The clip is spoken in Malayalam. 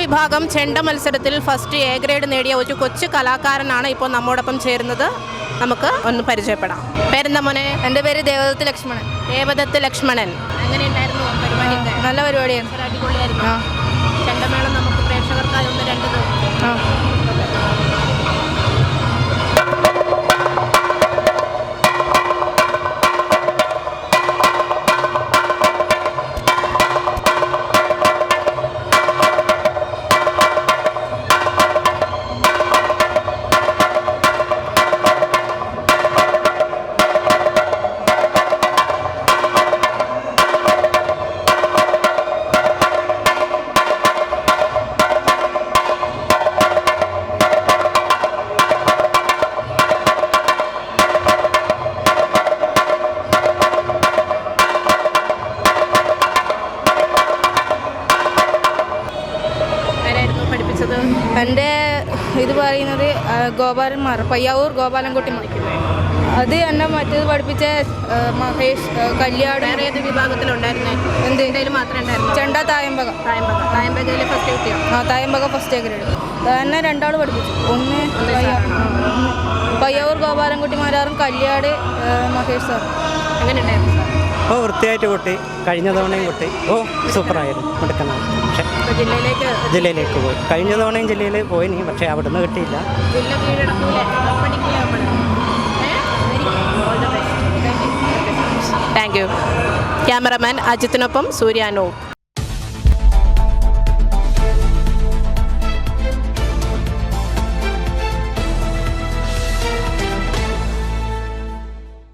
വിഭാഗം ചെണ്ട മത്സരത്തിൽ ഫസ്റ്റ് എ ഗ്രേഡ് നേടിയ ഒരു കൊച്ചു കലാകാരനാണ് ഇപ്പോൾ നമ്മോടൊപ്പം ചേരുന്നത്. നമുക്ക് ഒന്ന് പരിചയപ്പെടാം. പേരെന്താ മോനെ? എൻ്റെ പേര് ദേവദത്ത് ലക്ഷ്മണൻ. ദേവദത്ത് ലക്ഷ്മണൻ. എങ്ങനെയുണ്ടായിരുന്നു പരിപാടിയൊക്കെ? നല്ല പരിപാടിയാണ്. അടിപൊളിയായിരുന്നു. ചെണ്ടമേളം നമുക്ക് പ്രേക്ഷകർക്കായി ഒന്ന് രണ്ട് എൻ്റെ ഇത് പറയുന്നത് ഗോപാലന്മാർ, പയ്യാവൂർ ഗോപാലൻകുട്ടിമാർ. അത് എന്നെ മറ്റേത് പഠിപ്പിച്ച മഹേഷ് കല്യാട്. ഏത് വിഭാഗത്തിലുണ്ടായിരുന്നേ? എന്തെങ്കിലും മാത്രമേ ഉണ്ടായിരുന്നു. ചെണ്ട തായമ്പക. തായമ്പകയിൽ ഫസ്റ്റ് കിട്ടിയോ? Thayambaka first A grade. എന്നെ രണ്ടാൾ പഠിപ്പിച്ചു. ഒന്ന് പയ്യാവൂർ ഗോപാലൻകുട്ടിമാരും കല്യാട് മഹേഷ് സാർ. എങ്ങനെ ഉണ്ടായിരുന്നു സാർ? വൃത്തിയായിട്ട് കൊട്ടി. കഴിഞ്ഞ തവണയും കൊട്ടി. സൂപ്പറായിരുന്നു. എടുക്കുന്നതാണ്. പക്ഷേ ജില്ലയിലേക്ക് പോയി. കഴിഞ്ഞ തവണയും ജില്ലയിൽ പോയിനി, പക്ഷേ അവിടുന്ന് കിട്ടിയില്ല. Thank you. ക്യാമറമാൻ അജിത്തിനൊപ്പം സൂര്യാനൂപ്.